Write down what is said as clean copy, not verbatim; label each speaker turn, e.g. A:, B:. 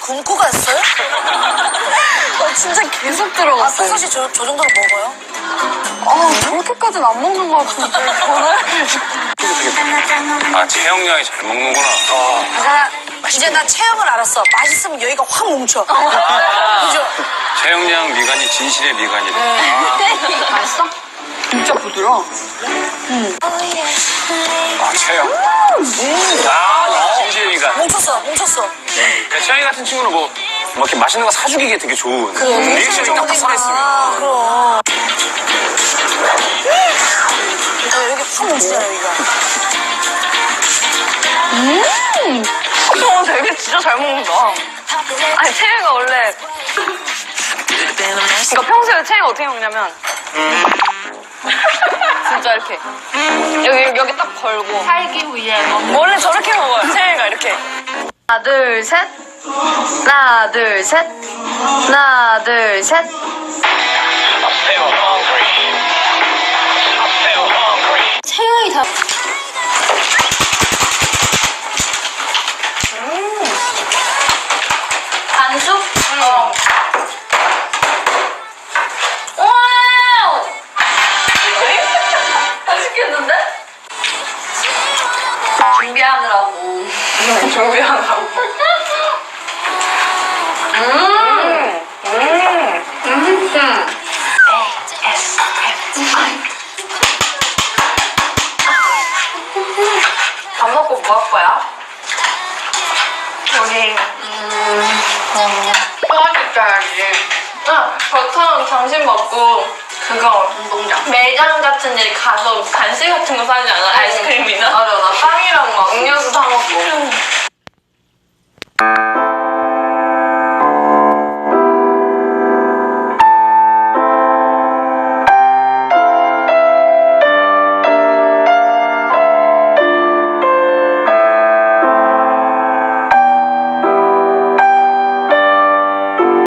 A: 굶고 갔어요?
B: 진짜 계속 들어갔어요.
A: 평상시 저 정도로 먹어요?
B: 저렇게까지는 안 먹는 것 같은데 전화를.
C: 아, 체형량이 잘 먹는구나.
A: 이제 나 체형을 알았어. 맛있으면 여기가 확 뭉쳐. 그죠?
C: 체형량 미간이 진실의 미간이래.
B: 맛있어? 진짜 부드러워.
C: 아, 체형. 진실의 미간.
A: 뭉쳤어.
C: 그러니까 채영이 같은 친구는 뭐 이렇게 맛있는 거 사주기에 되게 좋은. 리액션이 딱딱 살아있으면.
A: 그럼. 여기 확 뭉치잖아, 여기가.
B: 되게 진짜 잘 먹는다. 아니, 채영이가 원래. 그러니까 평소에 채영이가 어떻게 먹냐면. 진짜 이렇게. 여기 딱 걸고.
D: 살기 위해 먹는
B: 원래 저렇게 먹어요, 채영이가 이렇게. 하나, 둘, 셋. 하나, 둘, 셋. 하나, 둘, 셋.
D: 체형이 다 반숙? 와우! 맛있겠는데? 준비하느라고. 밥 먹고 뭐 할 거야? 우리 소화식 짜야지. 저처럼 점심 먹고 그거 운동장 매장 같은 데 가서 간식 같은 거 사지 않아? 아이스크림이나? 맞아, 나 빵이랑 막 음료수 사 먹고